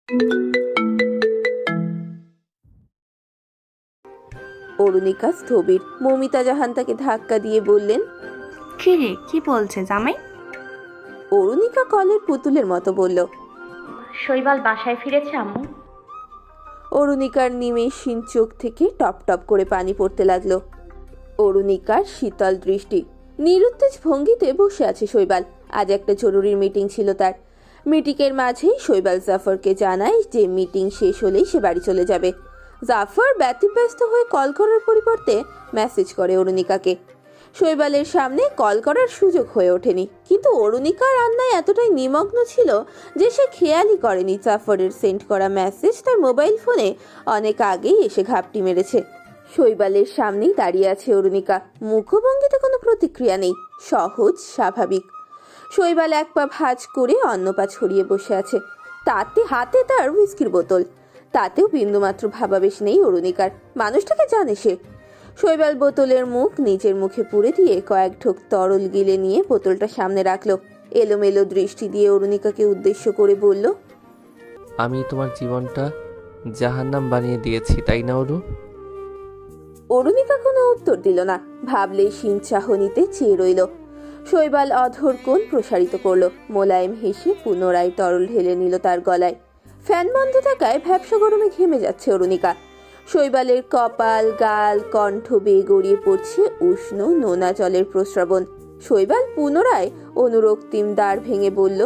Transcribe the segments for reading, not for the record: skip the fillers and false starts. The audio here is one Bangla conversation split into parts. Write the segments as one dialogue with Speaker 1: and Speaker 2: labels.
Speaker 1: অরুণিকা স্থবির। মমিতা জাহান তাকে ধাক্কা দিয়ে বললেন,
Speaker 2: কি রে, কি বলছে জামাই?
Speaker 1: অরুণিকা কলের পুতুলের মতো বলল,
Speaker 3: শৈবাল বাসায় ফিরেছে আম্মু।
Speaker 1: অরুণিকার নিমেষহীন চোখ থেকে টপ টপ করে পানি পড়তে লাগলো। অরুণিকার শীতল দৃষ্টি। নিরুত্তেজ ভঙ্গিতে বসে আছে শৈবাল। আজ একটা জরুরি মিটিং ছিল তার। মিটিংয়ের মাঝেই শৈবাল জাফরকে জানায় যে মিটিং শেষ হলেই সে বাড়ি চলে যাবে। জাফর ব্যতিব্যস্ত হয়ে কল করার পরিবর্তে মেসেজ করে অরুণিকাকে। শৈবালের সামনে কল করার সুযোগ হয়ে ওঠেনি, কিন্তু অরুণিকা রান্নায় এতটাই নিমগ্ন ছিল যে সে খেয়ালই করেনি জাফরের সেন্ড করা মেসেজ তার মোবাইল ফোনে অনেক আগেই এসে ঘাপটি মেরেছে। শৈবালের সামনেই দাঁড়িয়ে আছে অরুণিকা। মুখভঙ্গিতে কোনো প্রতিক্রিয়া নেই, সহজ স্বাভাবিক। শৈবাল এক পা ভাঁজ করে অন্য পা ছড়িয়ে বসে আছে। তাতে হাতে তার হুইস্কির বোতল। তাতেও বিন্দুমাত্র ভাবাবেশ নেই অরুণিকার। মানুষটাকে জানে সে। শৈবাল বোতলের মুখ নিজের মুখে পুরে দিয়ে কয়েক ঢোক তরল গিলে নিয়ে বোতলটা সামনে রাখলো। এলোমেলো দৃষ্টি দিয়ে অরুণিকাকে উদ্দেশ্য করে বলল,
Speaker 4: আমি তোমার জীবনটা জাহান্নাম বানিয়ে দিয়েছি, তাই না অরু?
Speaker 1: অরুণিকা কোনো উত্তর দিল না। ভাবলেই শিন চাহনিতে চেয়ে রইল। শৈবাল অধর কোণ প্রসারিত করলো। মোলায়েম হেসে পুনরায় তরল ঢেলে নিল তার গলায়। ফ্যান বন্ধ থাকায় ভ্যাপসা গরমে ঘেমে যাচ্ছে অরুণিকা। শৈবালের কপাল, গাল, কণ্ঠ বেয়ে গড়িয়ে পড়ছে উষ্ণ নোনা জলের প্রস্রবণ। শৈবাল পুনরায় অনুরক্তিম দ্বার ভেঙে বলল,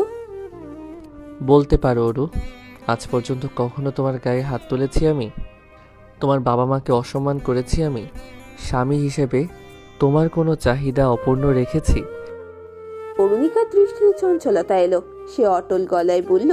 Speaker 4: বলতে পারো অরু, আজ পর্যন্ত কখনো তোমার গায়ে হাত তুলেছি আমি? তোমার বাবা মাকে অসম্মান করেছি আমি? স্বামী হিসেবে তোমার কোনো চাহিদা অপূর্ণ রেখেছি?
Speaker 1: অরুণিকার দৃষ্টিতে চঞ্চলতা এলো। সে অটল গলায় বলল,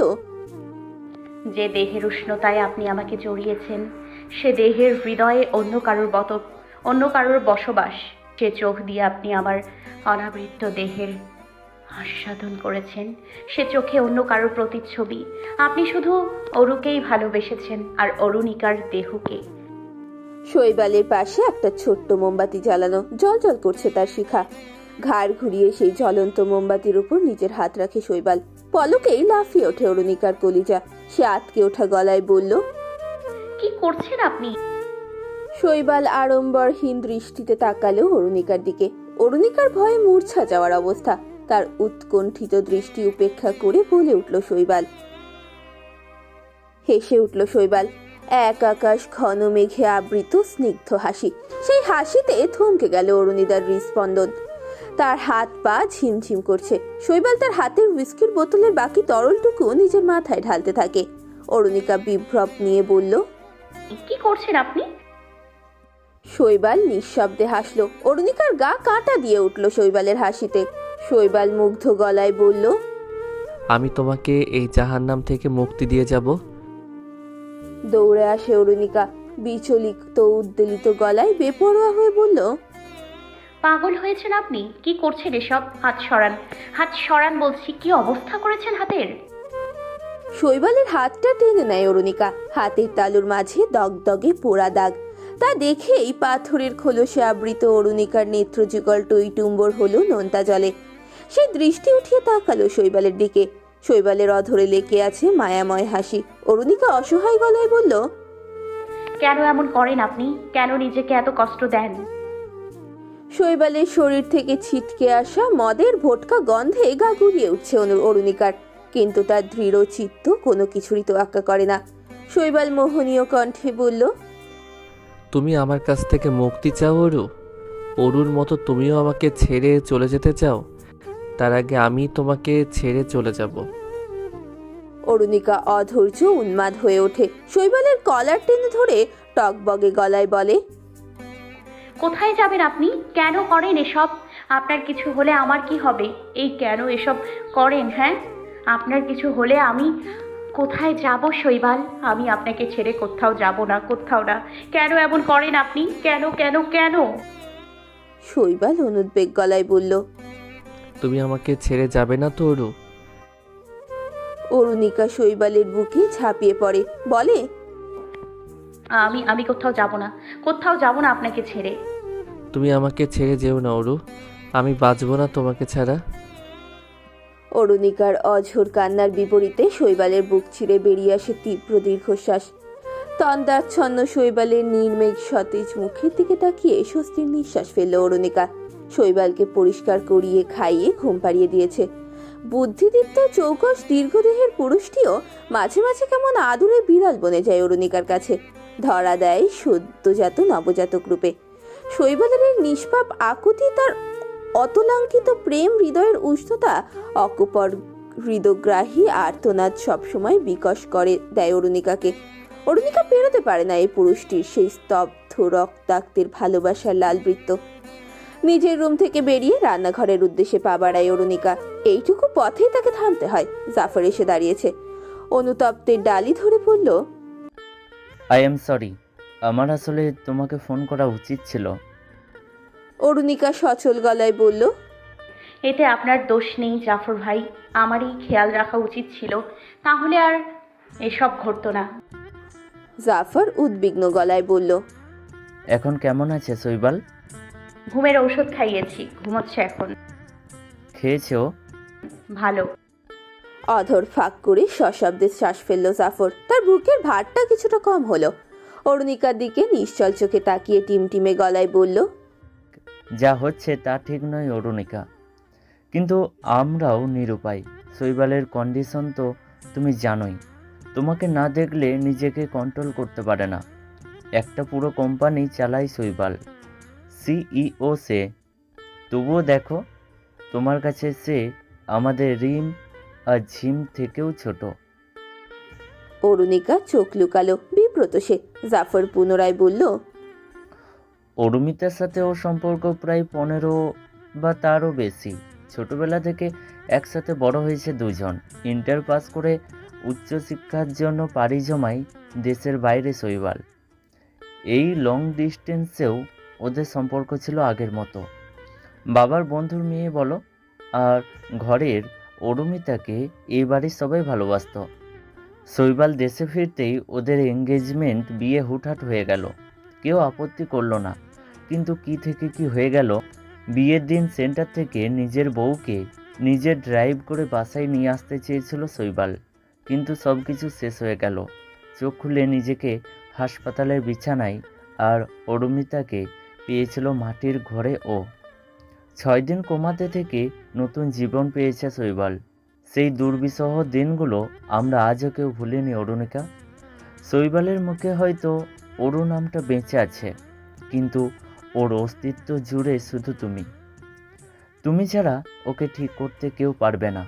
Speaker 3: যে দেহের উষ্ণতায় আপনি আমাকে জড়িয়েছেন, সে দেহের হৃদয়ে অন্য কারোর বসবাস। সে চোখ দিয়ে আপনি আমার অনাবৃত দেহের আস্বাদন করেছেন, সে চোখে অন্য কারোর প্রতিচ্ছবি। আপনি শুধু অরুকেই ভালোবেসেছেন, আর অরুণিকার দেহকে।
Speaker 1: শৈবালের পাশে একটা ছোট্ট মোমবাতি জ্বালানো, জ্বলজ্বল করছে তার শিখা। ঘাড় ঘুরিয়ে সেই জ্বলন্ত মোমবাতির উপর নিজের হাত রাখে শৈবাল। পলকেই লাফিয়ে ওঠে অরুণিকার কলিজা। সে আটকে ওঠা গলায় বলল,
Speaker 3: কি করছেন আপনি?
Speaker 1: শৈবাল আড়ম্বরহীন দৃষ্টিতে তাকালো অরুণিকার দিকে। অরুণিকার ভয়ে মূর্ছা যাওয়ার অবস্থা। তার উৎকণ্ঠিত দৃষ্টি উপেক্ষা করে বলে উঠল শৈবাল। হেসে উঠল শৈবাল। এক আকাশ ঘন মেঘে আবৃত স্নিগ্ধ হাসি। সেই হাসিতে থমকে গেল অরুণিতার হৃৎস্পন্দন। তার হাত পা ঝিমঝিম করছে। শৈবাল তার হাতের হুইস্কির বোতলের বাকি তরলটুকু নিজের মাথায় ঢালতে থাকে। অরুণিকা বিভ্রম নিয়ে বলল,
Speaker 3: কি করছেন আপনি?
Speaker 1: শৈবাল নিঃশব্দে হাসলো। অরুণিকার গা কাঁটা দিয়ে উঠল শৈবালের হাসিতে। শৈবাল মুগ্ধ গলায় বলল,
Speaker 4: আমি তোমাকে এই জাহান্নাম থেকে মুক্তি দিয়ে যাব।
Speaker 1: দৌড়ে আসে অরুণিকা। বিচলিত উদ্বেলিত গলায় বেপরোয়া হয়ে বলল,
Speaker 3: পাগল হয়েছেন আপনি? কি করছেন এসব? হাত সরান, হাত সরান বলছি। কি অবস্থা করেছেন হাতের?
Speaker 1: শৈবালের হাতটা টেনে নেয় অরুণিকা। হাতের তালুর মাঝে দগদগে পোড়া দাগ। তা দেখেই পাথরের খোলসে আবৃত অরুণিকার নেত্রযুগল টইটুম্বর হলো নোনতা জলে। সে দৃষ্টি উঠিয়ে তাকালো শৈবালের দিকে। শৈবালের অধরে লেকে আছে মায়াময় হাসি। অরুণিকা অসহায় গলায় বলল,
Speaker 3: কেন এমন করেন আপনি? কেন নিজেকে এত কষ্ট দেন?
Speaker 1: শৈবালের শরীর থেকে ছিটকে আসা মদের ভোটকা গন্ধে গা গুলিয়ে উঠছে অরুণিকার, কিন্তু তার দৃঢ় চিত্ত কোনো কিছুরই তোয়াক্কা করে না। শৈবাল মোহনীয় কণ্ঠে বলল,
Speaker 4: তুমি আমার কাছ থেকে মুক্তি চাও অরু? অরুর মতো তুমিও আমাকে ছেড়ে চলে যেতে চাও? তার আগে আমি তোমাকে ছেড়ে চলে যাব।
Speaker 1: অরুণিকা অধৈর্য উন্মাদ হয়ে ওঠে। শৈবালের কলার টেনে ধরে টকবগে গলায় বলে,
Speaker 3: কোথায় যাবেন আপনি? কেন করেন এসব? আপনার কিছু হলে আমার কি হবে? এই কেন এসব করেন? হ্যাঁ, আপনার কিছু হলে আমি কোথায় যাব শৈবাল? আমি আপনাকে ছেড়ে কোথাও যাব না, কোথাও না। কেন এমন করেন আপনি? কেন কেন কেন?
Speaker 1: শৈবাল অনুদ্বেগ গলায় বলল।
Speaker 4: তুমি আমাকে ছেড়ে যাবে না তো অরু?
Speaker 1: অরুণিকা শৈবালের বুকে ঝাঁপিয়ে পড়ে, বলে,
Speaker 3: আমি আমি কোথাও যাব না, কোথাও যাব না আপনাকে ছেড়ে।
Speaker 4: তুমি আমাকে ছেড়ে যেও না অরু, আমি বাঁচব না তোমাকে ছাড়া।
Speaker 1: অরুণিকার অঝোর কান্নার বিপরীতে শৈবালের বুক ছিঁড়ে বেরিয়ে আসে তীব্র দীর্ঘশ্বাস। তন্দাচ্ছন্ন শৈবালের নির্মেঘ সতেজ মুখের দিকে তাকিয়ে স্বস্তির নিঃশ্বাস ফেলল অরুণিকা। শৈবালকে পরিষ্কার করিয়ে খাইয়ে ঘুম পাড়িয়ে দিয়েছে। বুদ্ধিদীপ্ত চৌকস দীর্ঘদেহের পুরুষটিও মাঝে মাঝে কেমন আদুরে বিড়াল বনে যায় অরুণিকার কাছে, ধরা দেয় সদ্যজাত নবজাতক রূপে। শৈবালের এই নিষ্পাপ আকুতি, তার অতলাঙ্কিত প্রেম, হৃদয়ের উষ্ণতা, অকপর হৃদগ্রাহী আর্তনাদ সবসময় বিকশ করে দেয় অরুণিকাকে। অরুণিকা পেরোতে পারে না এই পুরুষটির সেই স্তব্ধ রক্তাক্তের ভালোবাসার লাল বৃত্ত। নিজের রুম থেকে বেরিয়ে রান্নাঘরের উদ্দেশ্যে পা বাড়ায় অরুণিকা। এইটুকু পথেই তাকে থামতে হয়। জাফর এসে দাঁড়িয়েছে। অনুতপ্তের ডালি ধরে বলল,
Speaker 5: আই এম সরি, আমার আসলে তোমাকে ফোন করা উচিত ছিল।
Speaker 1: অরুণিকা সচল গলায় বলল,
Speaker 3: এতে আপনার দোষ নেই জাফর ভাই, আমারই খেয়াল রাখা উচিত ছিল, তাহলে আর এসব ঘটতো না।
Speaker 1: জাফর উদ্বিগ্ন গলায় বলল,
Speaker 5: এখন কেমন আছে শৈবাল?
Speaker 3: ঘুমের ঔষধ খাইয়েছি, ঘুমোচ্ছে এখন।
Speaker 5: খেয়েছো?
Speaker 3: ভালো।
Speaker 1: অধর ফাঁক করে সশব্দে শ্বাস ফেলল জাফর। তার বুকের ভারটা কিছুটা কম হলো। অরুণিকার দিকে নিশ্চল চোখে তাকিয়ে টিমটিমে গলায় বলল,
Speaker 5: যা হচ্ছে তা ঠিক নয় অরুণিকা, কিন্তু আমরাও নিরুপায়। শৈবালের কন্ডিশন তো তুমি জানোই, তোমাকে না দেখলে নিজেকে কন্ট্রোল করতে পারে না। একটা পুরো কোম্পানি চালায় শৈবাল, সিইও সে। তবুও দেখো, তোমার কাছে সে আমাদের রিম আর ঝিম থেকেও ছোট।
Speaker 1: অরুণিকা চোখ লুকালো, বিব্রত সে। জাফর পুনরায় বলল,
Speaker 5: অরুমিতার সাথে ওর সম্পর্ক প্রায় 15 বা তারও বেশি। ছোটবেলা থেকে একসাথে বড় হয়েছে দুজন। ইন্টার পাস করে উচ্চশিক্ষার জন্য পাড়ি জমায় দেশের বাইরে শৈবাল। এই লং ডিস্টেন্সেও ওদের সম্পর্ক ছিল আগের মতো, বাবার বন্ধুর মেয়ে বলো। আর ঘরের অরুমিতাকে এই বাড়ির সবাই ভালোবাসত। শৈবাল দেশে ফিরতেই ওদের এঙ্গেজমেন্ট, বিয়ে হুটহাট হয়ে গেল। কেউ আপত্তি করলো না, কিন্তু কি থেকে কি হয়ে গেল। বিয়ের দিন সেন্টার থেকে নিজের বউকে নিজে ড্রাইভ করে বাসায় নিয়ে আসতে চেয়েছিল শৈবাল, কিন্তু সব কিছু শেষ হয়ে গেল। চোখ খুলে নিজেকে হাসপাতালের বিছানায়, আর অরুমিতাকে পেয়েছিল মাটির ঘরে। ও 6 দিন কোমাতে থেকে নতুন জীবন পেয়েছে শৈবাল। সেই দুর্বিষহ দিনগুলো আমরা আজও কেউ ভুলিনি অরুণিকা। শৈবালের মুখে হয়তো অরু নামটা বেঁচে আছে, কিন্তু ওর অস্তিত্ব জুড়ে শুধু তুমি। তুমি ছাড়া ওকে ঠিক করতে কেউ পারবে না।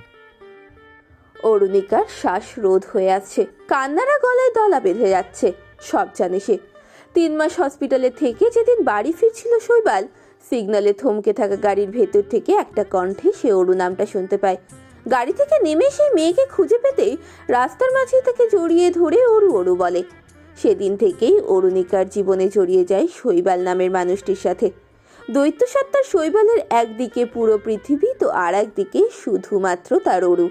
Speaker 1: অরুণিকার শ্বাস রোধ হয়ে আসছে, কান্নারা গলায় দলা বেঁধে যাচ্ছে। সব জানে সে। 3 মাস হসপিটালে থেকে যেদিন বাড়ি ফিরছিল শৈবাল, সিগন্যালে থমকে থাকা গাড়ির ভেতর থেকে একটা কণ্ঠে সে অরু নামটা শুনতে পায়। গাড়ি থেকে নেমে সেই মেয়েকে খুঁজে পেতেই রাস্তার মাঝে তাকে জড়িয়ে ধরে অরু অরু বলে। সেদিন থেকেই অরুণিকার জীবনে জড়িয়ে যায় শৈবাল নামের মানুষটির সাথে। দৈত্য সত্তার শৈবালের একদিকে পুরো পৃথিবী, তো আর একদিকে শুধুমাত্র তার অরু।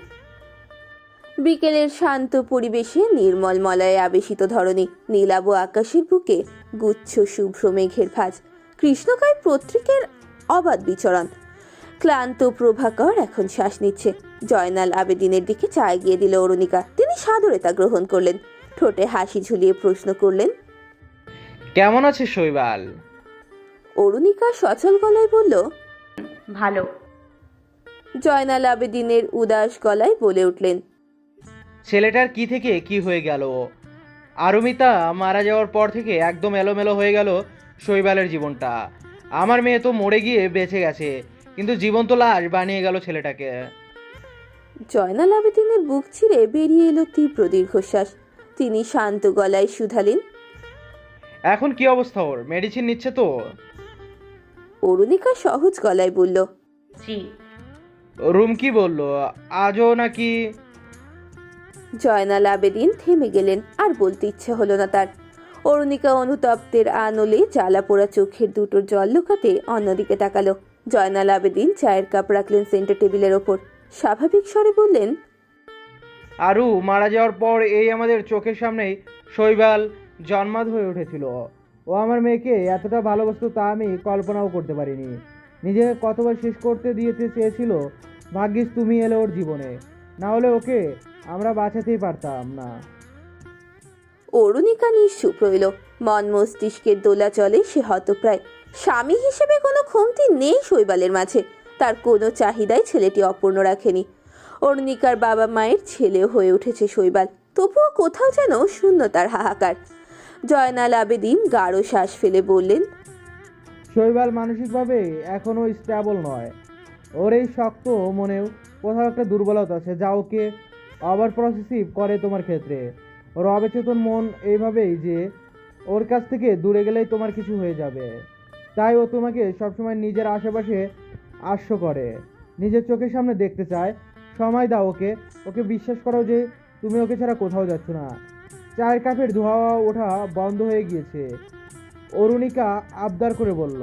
Speaker 1: বিকেলের শান্ত পরিবেশে নির্মল মলয়ে আবেশিত ধরণী, নীলাভ আকাশের বুকে গুচ্ছ শুভ্র মেঘের ভাঁজ, কৃষ্ণকায় পত্রিকের অবাধ বিচরণ। ক্লান্ত প্রভাকর এখন শ্বাস নিচ্ছে। জয়নাল আবেদিনের দিকে চা এগিয়ে দিল অরুণিকা। তিনি সাদরে তা গ্রহণ করলেন। ঠোঁটে হাসি ঝুলিয়ে প্রশ্ন করলেন,
Speaker 6: কেমন আছে শৈবাল?
Speaker 1: অরুণিকা সচল গলায় বলল,
Speaker 3: ভালো।
Speaker 1: জয়নাল আবেদিনের উদাস গলায় বলে উঠলেন,
Speaker 6: ছেলেটার কি থেকে কি হয়ে গেল? আরুমিতা মারা যাওয়ার পর থেকে একদম এলোমেলো হয়ে গেল শৈবালের জীবনটা। আমার মেয়ে তো মরে গিয়ে বেঁচে গেছে, কিন্তু জীবন্ত লাশ বানিয়ে গেল ছেলেটাকে।
Speaker 1: জয়নাল আবেদিনের বুক ছিঁড়ে বেরিয়ে এলো তীব্র দীর্ঘশ্বাস। তিনি শান্ত গলায় শুধালেন,
Speaker 6: এখন কি অবস্থা ওর? মেডিসিন নিচ্ছে তো?
Speaker 1: অরুণিকা সহজ গলায় বলল,
Speaker 3: জি।
Speaker 6: রুম কি বললো? আজও নাকি?
Speaker 1: জয়নাল আবেদিন থেমে গেলেন। আর বলতে ইচ্ছে হলো না তার। অরুণিকা অনুতপ্তের আনলে জ্বালা পোড়া চোখের দুটোর জল লুকাতে অন্যদিকে তাকালো। জয়নাল আবেদিন চায়ের কাপ রাখলেন সেন্টার টেবিলের ওপর। স্বাভাবিক স্বরে বললেন,
Speaker 6: আরু মারা যাওয়ার পর এই আমাদের চোখের সামনেই শৈবাল জন্মাদ হয়ে উঠেছিল। ও আমার মেয়েকে এতটা ভালোবাসতো তা আমি কল্পনাও করতে পারিনি। নিজেকে কতবার শেষ করতে দিয়েতে চেয়েছিল, ভাগ্যিস তুমি এলে ওর জীবনে, না হলে ওকে আমরা বাঁচাতেই পারতাম না।
Speaker 1: অরুণিকা নিশ্চুপ রইল। মন মস্তিষ্কের দোলাচলে সে হতপ্রায়। স্বামী হিসেবে কোনো কমতি নেই শৈবালের মাঝে। তার কোনো চাহিদাই ছেলেটি অপূর্ণ রাখেনি। অরুণিকার বাবা মায়ের ছেলেও হয়ে উঠেছে শৈবাল, তবুও কোথাও যেন শূন্যতার হাহাকার। জয়নাল আবেদিন গাঢ় শ্বাস ফেলে বললেন,
Speaker 6: শৈবাল মানসিকভাবে এখনও স্টেবল নয়। ওর এই শক্ত মনেও কোথাও একটা দুর্বলতা আছে যা ওকে ওভার প্রসেসিভ করে তোমার ক্ষেত্রে। ওর অবচেতন মন এইভাবেই যে ওর কাছ থেকে দূরে গেলেই তোমার কিছু হয়ে যাবে, তাই ও তোমাকে সবসময় নিজের আশেপাশে আশ্র করে, নিজের চোখের সামনে দেখতে চায়। সময় দাও ওকে, ওকে বিশ্বাস করো যে তুমি ওকে ছাড়া কোথাও যাচ্ছ না। চায়ের কাপের ধোয়া ওঠা বন্ধ হয়ে গিয়েছে, অরুণিকা আবদার করে বলল।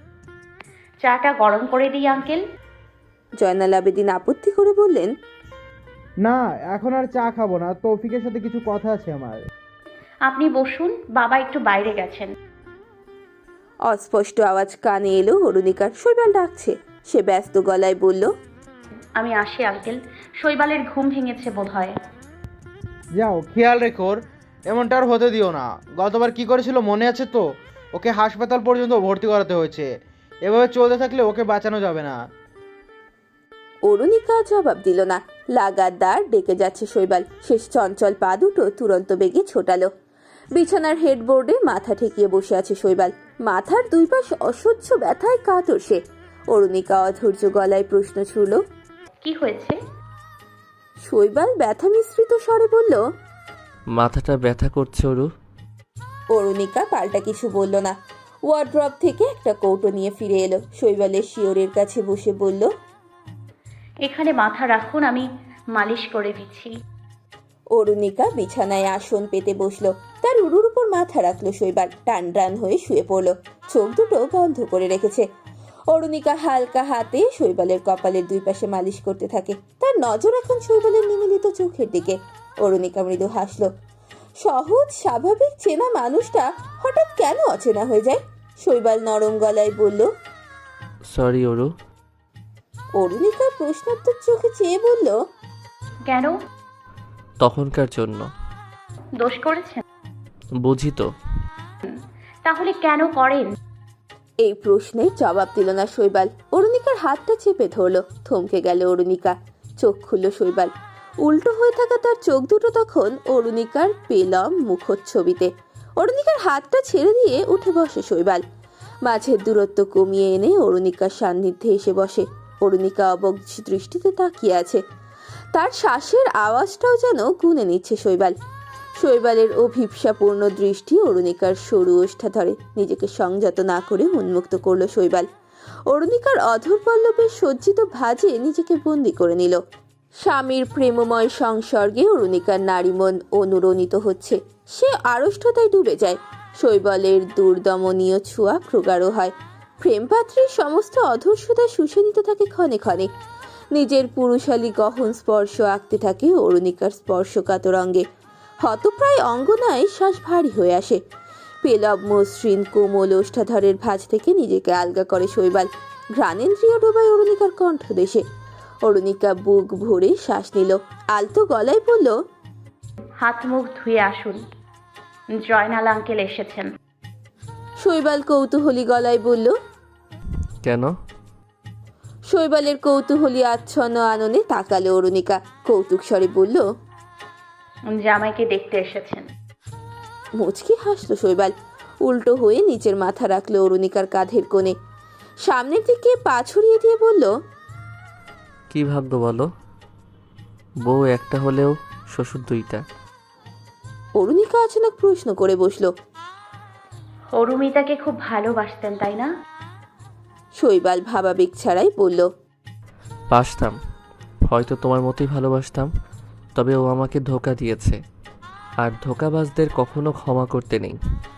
Speaker 3: চাটা গরম করে দিই আঙ্কেল।
Speaker 1: জয়নাল আবেদিন আপত্তি করে বললেন,
Speaker 6: না, এখন আর চা খাবো না, তৌফিকের সাথে কিছু কথা আছে আমার।
Speaker 3: আপনি বসুন, বাবা একটু বাইরে গেছেন।
Speaker 1: অস্পষ্ট আওয়াজ কানে এলো অরুণিকার। শৈবাল ডাকছে। সে ব্যস্ত গলায় বলল,
Speaker 3: আমি আসি আঙ্কেল, শৈবালের ঘুম ভেঙেছে বোধহয়।
Speaker 6: যাও, খেয়াল রেখো ওর এমনটা আর হতে দিও না। গতবার কি করেছিল মনে আছে তো? ওকে হাসপাতাল পর্যন্ত ভর্তি করাতে হয়েছে। এভাবে চলতে থাকলে ওকে বাঁচানো যাবে না।
Speaker 1: অরুণিকা জবাব দিল না। লাগাতার ডেকে যাচ্ছে শৈবাল। শেষ চঞ্চল পা দুটো তুরন্ত বেগে ছোটালো। বিছানার হেডবোর্ডে মাথা ঠেকিয়ে বসে আছে শৈবাল। মাথার দুই পাশ অসহ্য ব্যথায় কাতর সে। অরুণিকা অধৈর্য গলায় প্রশ্ন ছুড়ল,
Speaker 3: কি হয়েছে?
Speaker 1: শৈবাল ব্যথা মিশ্রিত স্বরে বলল,
Speaker 4: মাথাটা ব্যথা করছে ওরু।
Speaker 1: অরুণিকা পাল্টা কিছু বলল না। ওয়ার্ড্রপ থেকে একটা কৌটো নিয়ে ফিরে এলো। শৈবালের শিওরের কাছে বসে বলল,
Speaker 3: এখানে মাথা রাখুন, আমি মালিশ করে দিচ্ছি।
Speaker 1: অরুণিকা বিছানায় আসন পেতে বসলো। তার উরুর উপর মাথা রাখলো শৈবাল। টান টান হয়ে শুয়ে পড়লো। চোখ দুটো বন্ধ করে রেখেছে। অরুণিকা হালকা হাতে শৈবালের কপালের দুই পাশে মালিশ করতে থাকে। তার নজর এখন শৈবালের নিমিলিত চোখের দিকে। অরুণিকা মৃদু হাসলো। সহজ স্বাভাবিক চেনা মানুষটা হঠাৎ কেন অচেনা হয়ে যায়? শৈবাল নরম গলায় বলল,
Speaker 4: সরি ওরু।
Speaker 1: অরুণিকা প্রশ্নোত্তর চোখে চেয়ে বলল,
Speaker 3: কেন?
Speaker 4: তখনকার জন্য।
Speaker 3: দোষ করেছেন?
Speaker 4: বুঝি তো।
Speaker 3: তাহলে কেন করেন?
Speaker 1: এই প্রশ্নের জবাব দিল না শৈবাল। অরুণিকার হাতটা চেপে ধরলো। থমকে গেল অরুণিকা। চোখ খুলল শৈবাল। উল্টো হয়ে থাকা তার চোখ দুটো তখন অরুণিকার পেলম মুখচ্ছবিতে। অরুণিকার হাতটা ছেড়ে দিয়ে উঠে বসে শৈবাল। মাঝের দূরত্ব কমিয়ে এনে অরুণিকার সান্নিধ্যে এসে বসে। অরুণিকা অবক দৃষ্টিতে তাকিয়ে আছে। তার শ্বাসের আওয়াজটাও যেন গুনে নিচ্ছে শৈবাল। শৈবালের অভিপ্সাপূর্ণ দৃষ্টি অরুণিকার সরু ওষ্ঠা ধরে। নিজেকে সংযত না করে উন্মুক্ত করলো শৈবাল। অরুণিকার অধর পল্লবে সজ্জিত ভাঁজে নিজেকে বন্দি করে নিল। স্বামীর প্রেমময় সংসর্গে অরুণিকার নারীমন অনুরণিত হচ্ছে। সে আড়ষ্টতায় ডুবে যায়। শৈবালের দুর্দমনীয় ছোঁয়া প্রগাঢ় হয়। প্রেমপাত্রীর সমস্ত অধর্ষতা শুষে নিতে থাকে ক্ষণে ক্ষণে। নিজের পুরুষালী গহন স্পর্শ আঁকতে থাকে অরুণিকার স্পর্শকাতর অঙ্গে। হতপ্রায় অঙ্গনায় শ্বাস ভারী হয়ে আসে। পেলব মসৃণ কোমল ওষ্ঠাধরের ভাঁজ থেকে নিজেকে আলগা করে শৈবাল। ঘ্রাণেন্দ্রিয় ডোবায় অরুণিকার কণ্ঠদেশে। অরুণিকা বুক ভরে শ্বাস নিল। আলতো গলায় বলল,
Speaker 3: হাত মুখ ধুয়ে আসুন, জয়নাল আঙ্কেল এসেছেন।
Speaker 1: শৈবাল কৌতূহলী গলায় বলল,
Speaker 4: কেন?
Speaker 1: শৈবালের কৌতূহলী আচ্ছন্ন আননে তাকালো অরুণিকা। কৌতুক স্বরে বলল,
Speaker 3: জামাইকে দেখতে এসেছেন।
Speaker 1: মুচকি হাসলো শৈবাল। উল্টো হয়ে নিচের মাথা রাখলো অরুণিকার কাঁধের কোণে। সামনের দিকে পা ছড়িয়ে দিয়ে বলল,
Speaker 4: কি ভাগ্য বলো, বউ একটা হলেও শ্বশুর দুইটা।
Speaker 1: অরুণিকা অচানক প্রশ্ন করে বসলো।
Speaker 3: অরুমিতাকে খুব ভালোবাসতেন তাই না?
Speaker 1: শৈবাল ভাবাবেগ ছাড়াই বলল,
Speaker 4: বাসতাম, হয়তো তোমার মতোই ভালোবাসতাম, তবে ও আমাকে ধোঁকা দিয়েছে, আর ধোঁকাবাজদের কখনো ক্ষমা করতে নেই।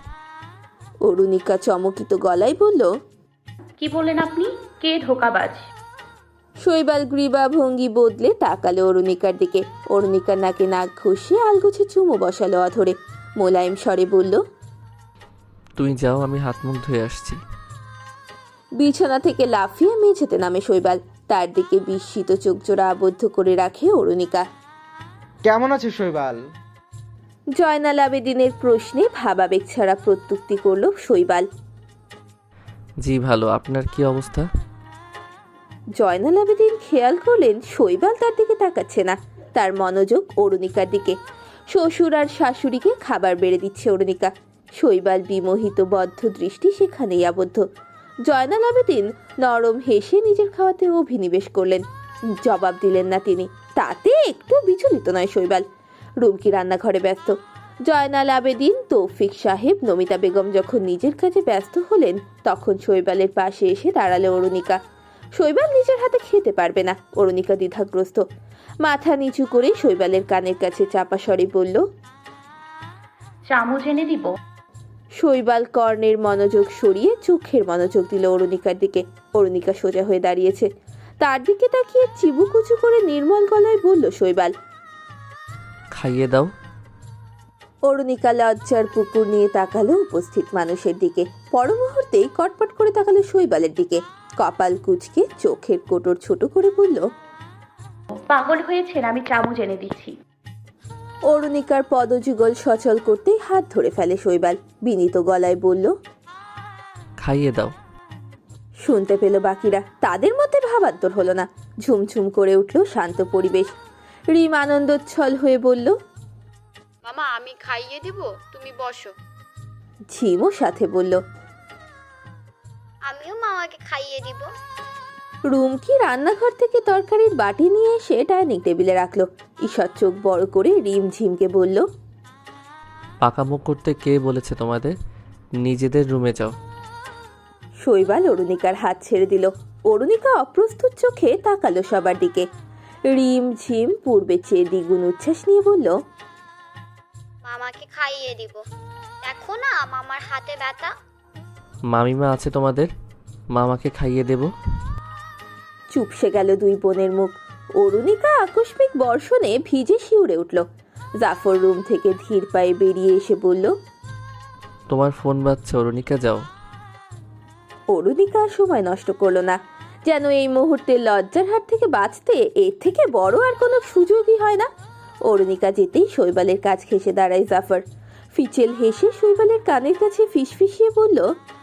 Speaker 1: অরুণিকা চমকিত গলায় বলল,
Speaker 3: কি বললেন আপনি? কে ধোকাবাজ?
Speaker 1: শৈবাল গ্রীবা ভঙ্গি বদলে তাকালো অরুণিকার দিকে। অরুণিকার নাকে নাক ঘষে আলগোছে চুমু বসালো অধরে। মোলায়েম স্বরে বলল,
Speaker 4: তুমি যাও, আমি হাত মুখ ধুয়ে আসছি।
Speaker 1: বিছানা থেকে লাফিয়ে মেঝেতে নামে শৈবাল। তার দিকে বিস্মিত চোখ জোড়া আবদ্ধ করে রাখে অরুণিকা।
Speaker 6: কেমন আছে শৈবাল?
Speaker 1: জয়নাল আবেদিনের প্রশ্নে ভাবাবেগ ছাড়া প্রত্যুক্তি করল শৈবাল।
Speaker 4: জি ভালো, আপনার কি অবস্থা?
Speaker 1: জয়নাল আবেদিন খেয়াল করলেন শৈবাল তার দিকে তাকাচ্ছে না, তার মনোযোগ অরুণিকার দিকে। শ্বশুর আর শাশুড়িকে খাবার বেড়ে দিচ্ছে অরুণিকা। শৈবাল বিমোহিত বদ্ধ দৃষ্টি সেখানেই আবদ্ধ। জয়নাল আবেদিন নরম হেসে নিজের খাওয়াতে অভিনিবেশ করলেন। জবাব দিলেন না তিনি, তাতে একটু বিচলিত নয় শৈবাল। রুমকি রান্নাঘরে ব্যস্ত। জয়নাল আবেদিন, তৌফিক সাহেব, নমিতা বেগম যখন নিজের কাজে ব্যস্ত হলেন তখন শৈবালের পাশে এসে দাঁড়ালো অরুণিকা। শৈবাল নিজের হাতে খেতে পারবে না। অরুণিকা দ্বিধাগ্রস্ত। মাথা নিচু করে শৈবালের কানের কাছে চাপা স্বরে বলল,
Speaker 3: চামচ এনে দিব?
Speaker 1: শৈবাল কর্ণের মনোযোগ সরিয়ে চোখের মনোযোগ দিল অরুণিকার দিকে। অরুণিকা সোজা হয়ে দাঁড়িয়েছে। তার দিকে তাকিয়ে চিবুকুচু করে নির্মল গলায় বলল শৈবাল।
Speaker 4: খাইয়ে দাও।
Speaker 1: অরুণিকা লজ্জার পুকুর নিয়ে তাকালো উপস্থিত মানুষের দিকে। পর মুহূর্তেই কটপট করে তাকালো শৈবালের দিকে। কপাল কুঁচকে চোখের কোটর ছোট করে বলল,
Speaker 3: পাগল হয়েছেন, আমি চামচ এনে দিচ্ছি।
Speaker 1: অরুণিকার পদযুগল সচল করতেই হাত ধরে ফেলে শৈবাল। বিনীত গলায় বলল,
Speaker 4: খাইয়ে দাও।
Speaker 1: শুনতে পেল বাকিরা। তাদের মধ্যে ভাবান্তর হলো না। ঝুমঝুম করে উঠল শান্ত পরিবেশ। রিম আনন্দোচ্ছল হয়ে বলল,
Speaker 7: মামা আমি খাইয়ে দিব, তুমি বসো।
Speaker 1: ঝিমও সাথে বলল,
Speaker 7: আমিও মামাকে খাইয়ে দিব।
Speaker 1: রুমকি রান্নাঘর থেকে তরকারির বাটি নিয়ে এসে ডাইনিং টেবিলে রাখলো। ঈষৎ চোখ বড় করে রিম ঝিমকে বলল,
Speaker 4: পাকামুখ করতে কে বলেছে তোমাদের? নিজেদের রুমে যাও।
Speaker 1: শৈবাল অরুণিকার হাত ছেড়ে দিল। অরুণিকা অপ্রস্তুত চোখে তাকালো সবার দিকে। রিম ঝিম পূর্বে চেয়ে দ্বিগুণ উচ্ছ্বাস নিয়ে বলল,
Speaker 7: মামাকে খাইয়ে দিব, দেখো না মামার হাতে ব্যথা।
Speaker 4: মামিমা আছে তোমাদের, মামাকে খাইয়ে দেব।
Speaker 1: চুপসে গেল দুই বোনের মুখ। অরুণিকা আকস্মিক বর্ষণে ভিজে শিউরে উঠল। জাফর রুম থেকে ধীর পায়ে বেরিয়ে এসে বলল,
Speaker 4: তোমার ফোন বাজছে, অরুণিকা যাও।
Speaker 1: অরুণিকা সময় নষ্ট করলো না। যেন এই মুহূর্তে লজ্জার হাত থেকে বাঁচতে এর থেকে বড় আর কোনো সুযোগই হয় না। অরুণিকা যেতেই শৈবালের কাছ ঘেঁষে দাঁড়ায় জাফর। ফিচেল হেসে শৈবালের কানের কাছে ফিসফিসিয়ে বলল।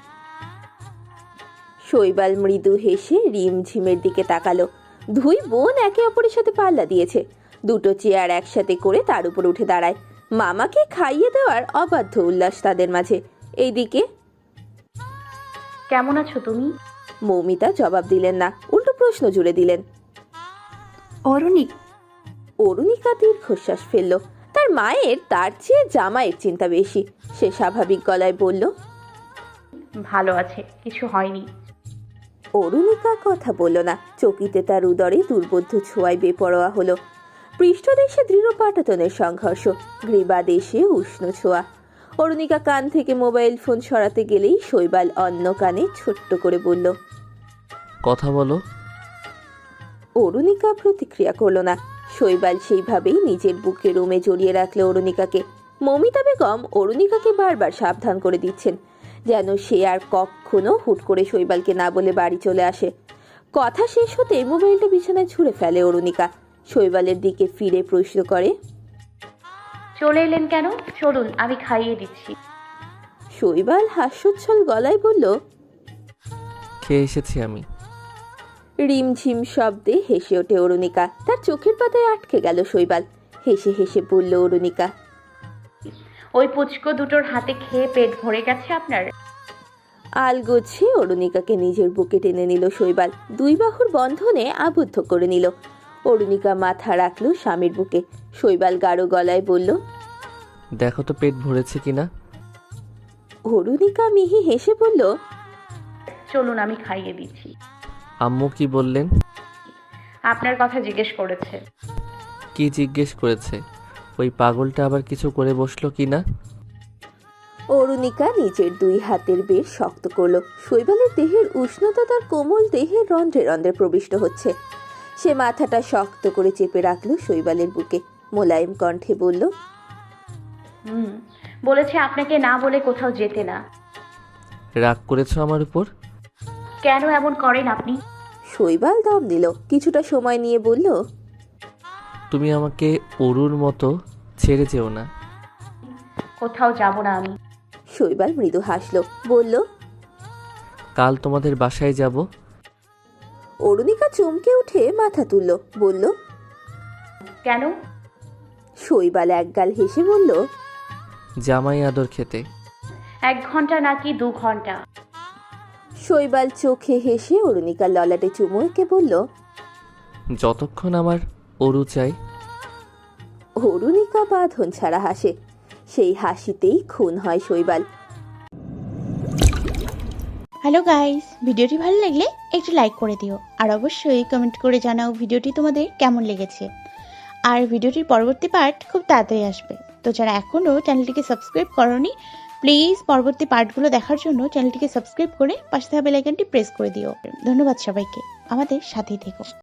Speaker 1: শৈবাল মৃদু হেসে রিম ঝিমের দিকে তাকালো। দুই বোন একে অপরের সাথে পাল্লা দিয়েছে। দুটো চেয়ার একসাথে করে তার উপর উঠে দাঁড়ায়। মামাকে খাইয়ে দেওয়ার অবাধ্য উল্লাস তাদের মাঝে। এইদিকে,
Speaker 3: কেমন আছো তুমি?
Speaker 1: মৌমিতা জবাব দিলেন না, উল্টো প্রশ্ন জুড়ে দিলেন।
Speaker 2: অরুণিক,
Speaker 1: অরুণিকা দীর্ঘশ্বাস ফেলল। তার মায়ের তার চেয়ে জামাইয়ের চিন্তা বেশি। সে স্বাভাবিক গলায় বলল,
Speaker 3: ভালো আছে, কিছু হয়নি।
Speaker 1: অরুণিকা কথা বলল না। চকিতে তার উদরে দুর্বোধ্য ছোঁয়ায় বেপরোয়া হলো। পৃষ্ঠদেশে দৃঢ় পাটাতনের সংঘর্ষ, গ্রীবা দেশে উষ্ণ ছোঁয়া। অরুণিকা কান থেকে মোবাইল ফোন সরাতে গেলেই শৈবাল অন্য কানে ছোট্ট করে বলল,
Speaker 4: কথা বলো।
Speaker 1: অরুণিকা প্রতিক্রিয়া করল না। শৈবাল সেইভাবেই নিজের বুকে রুমে জড়িয়ে রাখলো অরুণিকাকে। মমিতা বেগম অরুণিকাকে বারবার সাবধান করে দিচ্ছেন যেন সে আর কখনো হুট করে শৈবালকে না বলে বাড়ি চলে আসে। কথা শেষ হতে মোবাইলটা বিছানায় ছুঁড়ে ফেলে অরুণিকা। শৈবালের দিকে ফিরে প্রশ্ন করে,
Speaker 3: চলে এলেন কেন? চলুন আমি খাইয়ে দিচ্ছি।
Speaker 1: শৈবাল হাস্যোচ্ছল গলায় বলল,
Speaker 4: খেয়ে এসেছি আমি।
Speaker 1: রিমঝিম শব্দে হেসে ওঠে অরুণিকা। তার চোখের পাতায় আটকে গেল শৈবাল। হেসে হেসে বলল অরুণিকা,
Speaker 3: ওই পুচকো দুটোর হাতে খেয়ে পেট ভরে গেছে আপনার?
Speaker 1: আলগোছে অরুণিকাকে নিজের বুকে টেনে নিল শৈবাল। দুই বাহুর বন্ধনে আবদ্ধ করে নিল। অরুণিকা মাথা রাখলো স্বামীর বুকে। শৈবাল গাঢ় গলায় বলল,
Speaker 4: দেখো তো পেট ভরেছে কিনা।
Speaker 1: অরুণিকা মিহি হেসে বলল,
Speaker 3: চলুন আমি খাইয়ে দিচ্ছি।
Speaker 4: আম্মু কি বললেন?
Speaker 3: আপনার কথা জিজ্ঞেস করেছে।
Speaker 4: কি জিজ্ঞেস করেছে? ওই পাগলটা আবার কিছু করে বসলো কিনা?
Speaker 1: অরুণিকা নিজের দুই হাতের বের শক্ত করলো। শৈবালের দেহের উষ্ণতা তার কোমল দেহের রন্ধ্রে রন্ধ্রে প্রবিষ্ট হচ্ছে। সে মাথাটা শক্ত করে চেপে রাখলো শৈবালের বুকে। মোলায়েম কণ্ঠে বলল,
Speaker 3: বলেছে আপনাকে না বলে কোথাও যেতে না।
Speaker 4: রাগ করেছো আমার উপর?
Speaker 3: কেন এমন করেন আপনি?
Speaker 1: শৈবাল দম দিল, কিছুটা সময় নিয়ে বলল,
Speaker 4: তুমি আমাকে অরুর মতো ছেড়ে যেও না।
Speaker 3: কোথাও যাব না আমি।
Speaker 1: শৈবাল মৃদু হাসলো, বলল,
Speaker 4: কাল তোমাদের বাসায় যাব।
Speaker 1: অরুণিকা চমকে উঠে মাথা তুলল, বলল,
Speaker 3: কেন?
Speaker 1: শৈবাল একগাল হেসে বলল,
Speaker 4: জামাই আদর খেতে।
Speaker 3: 1 ঘন্টা নাকি 2 ঘন্টা?
Speaker 1: শৈবাল চোখে হেসে অরুণিকার ললাটে চুমু এঁকে বলল,
Speaker 4: যতক্ষণ আমার অরু চাই।
Speaker 1: অরুণিকা বাঁধন ছাড়া হাসে, সেই হাসিতেই খুন হয় শৈবাল।
Speaker 8: হ্যালো গাইস, ভিডিওটি ভালো লাগলে একটু লাইক করে দিও আর অবশ্যই কমেন্ট করে জানাও ভিডিওটি তোমাদের কেমন লেগেছে। আর ভিডিওটির পরবর্তী পার্ট খুব তাড়াতাড়ি আসবে, তো যারা এখনও চ্যানেলটিকে সাবস্ক্রাইব করোনি প্লিজ পরবর্তী পার্টগুলো দেখার জন্য চ্যানেলটিকে সাবস্ক্রাইব করে পাশে থাকা বেল আইকনটি প্রেস করে দিও। ধন্যবাদ সবাইকে, আমাদের সাথেই থেকো।